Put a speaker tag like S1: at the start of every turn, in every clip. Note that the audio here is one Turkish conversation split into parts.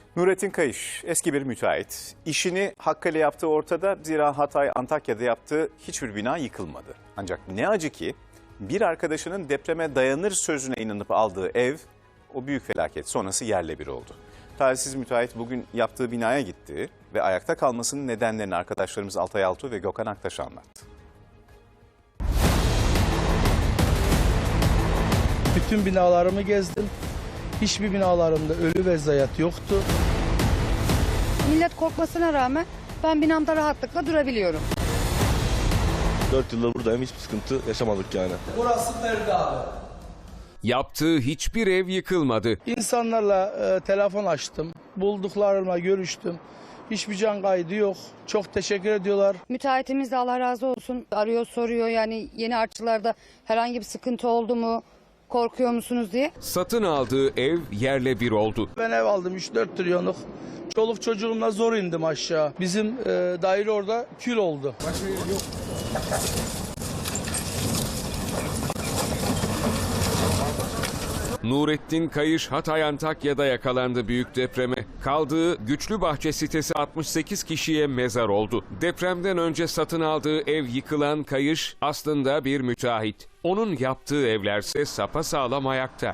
S1: Nurettin Kayış eski bir müteahhit. İşini hakkıyla yaptığı ortada, zira Hatay, Antakya'da yaptığı hiçbir bina yıkılmadı. Ancak ne acı ki bir arkadaşının depreme dayanır sözüne inanıp aldığı ev o büyük felaket sonrası yerle bir oldu. Talihsiz müteahhit bugün yaptığı binaya gitti ve ayakta kalmasının nedenlerini arkadaşlarımız Altay Altuğ ve Gökhan Aktaş anlattı.
S2: Bütün binalarımı gezdim. Hiçbir binalarımda ölü ve zayiat yoktu.
S3: Millet korkmasına rağmen ben binamda rahatlıkla durabiliyorum.
S4: 4 yıldır buradayım, hiçbir sıkıntı yaşamadık yani.
S2: Burası perde abi.
S5: Yaptığı hiçbir ev yıkılmadı.
S2: İnsanlarla telefon açtım. Bulduklarımla görüştüm. Hiçbir can kaydı yok. Çok teşekkür ediyorlar.
S3: Müteahhitimiz de Allah razı olsun arıyor soruyor, yani yeni artçılarda herhangi bir sıkıntı oldu mu, korkuyor musunuz diye.
S5: Satın aldığı ev yerle bir oldu.
S2: Ben ev aldım 3-4 trilyonluk. Çoluk çocuğumla zor indim aşağı. Bizim daire orada kül oldu.
S5: Nurettin Kayış Hatay Antakya'da yakalandı büyük depreme. Kaldığı Güçlübahçe sitesi 68 kişiye mezar oldu. Depremden önce satın aldığı ev yıkılan Kayış aslında bir müteahhit. Onun yaptığı evlerse sapasağlam ayakta.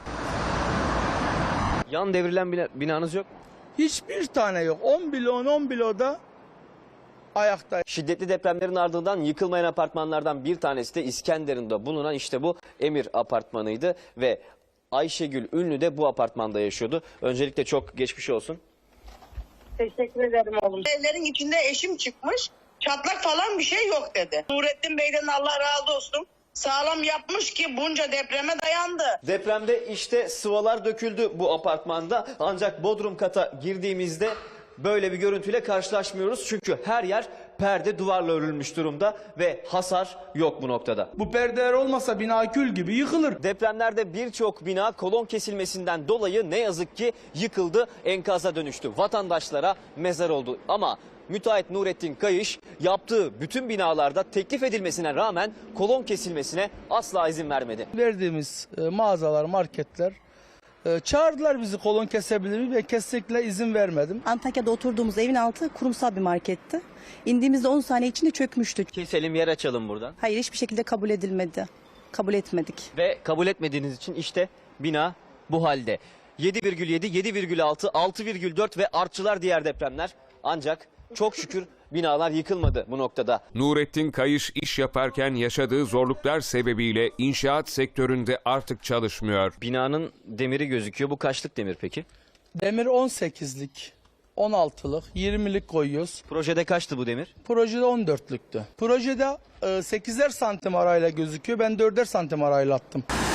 S6: Yan devrilen binanız yok.
S2: Hiçbir tane yok. 10 bloda ayakta.
S6: Şiddetli depremlerin ardından yıkılmayan apartmanlardan bir tanesi de İskenderun'da bulunan işte bu Emir apartmanıydı ve Ayşegül Ünlü de bu apartmanda yaşıyordu. Öncelikle çok geçmiş olsun.
S7: Teşekkür ederim oğlum. Evlerin içinde eşim çıkmış. Çatlak falan bir şey yok dedi. Nurettin Bey'den Allah razı olsun. Sağlam yapmış ki bunca depreme dayandı.
S6: Depremde işte sıvalar döküldü bu apartmanda. Ancak bodrum kata girdiğimizde böyle bir görüntüyle karşılaşmıyoruz. Çünkü her yer perde duvarla örülmüş durumda ve hasar yok bu noktada.
S2: Bu perdeler olmasa bina kül gibi yıkılır.
S6: Depremlerde birçok bina kolon kesilmesinden dolayı ne yazık ki yıkıldı, enkaza dönüştü. Vatandaşlara mezar oldu. Ama müteahhit Nurettin Kayış yaptığı bütün binalarda teklif edilmesine rağmen kolon kesilmesine asla izin vermedi.
S2: Verdiğimiz mağazalar, marketler çağırdılar bizi kolon kesebilir mi? Ve kesinlikle izin vermedim.
S8: Antakya'da oturduğumuz evin altı kurumsal bir marketti. İndiğimizde 10 saniye içinde çökmüştük.
S6: Keselim, yer açalım buradan.
S8: Hayır, hiçbir şekilde kabul edilmedi. Kabul etmedik.
S6: Ve kabul etmediğiniz için işte bina bu halde. 7,7, 7,6, 6,4 ve artçılar diğer depremler. Ancak çok şükür binalar yıkılmadı bu noktada.
S5: Nurettin Kayış iş yaparken yaşadığı zorluklar sebebiyle inşaat sektöründe artık çalışmıyor.
S6: Binanın demiri gözüküyor. Bu kaçlık demir peki?
S2: Demir 18'lik, 16'lık, 20'lik koyuyoruz.
S6: Projede kaçtı bu demir?
S2: Projede 14'lüktü. Projede 8'er santim arayla gözüküyor. Ben 4'er santim arayla attım.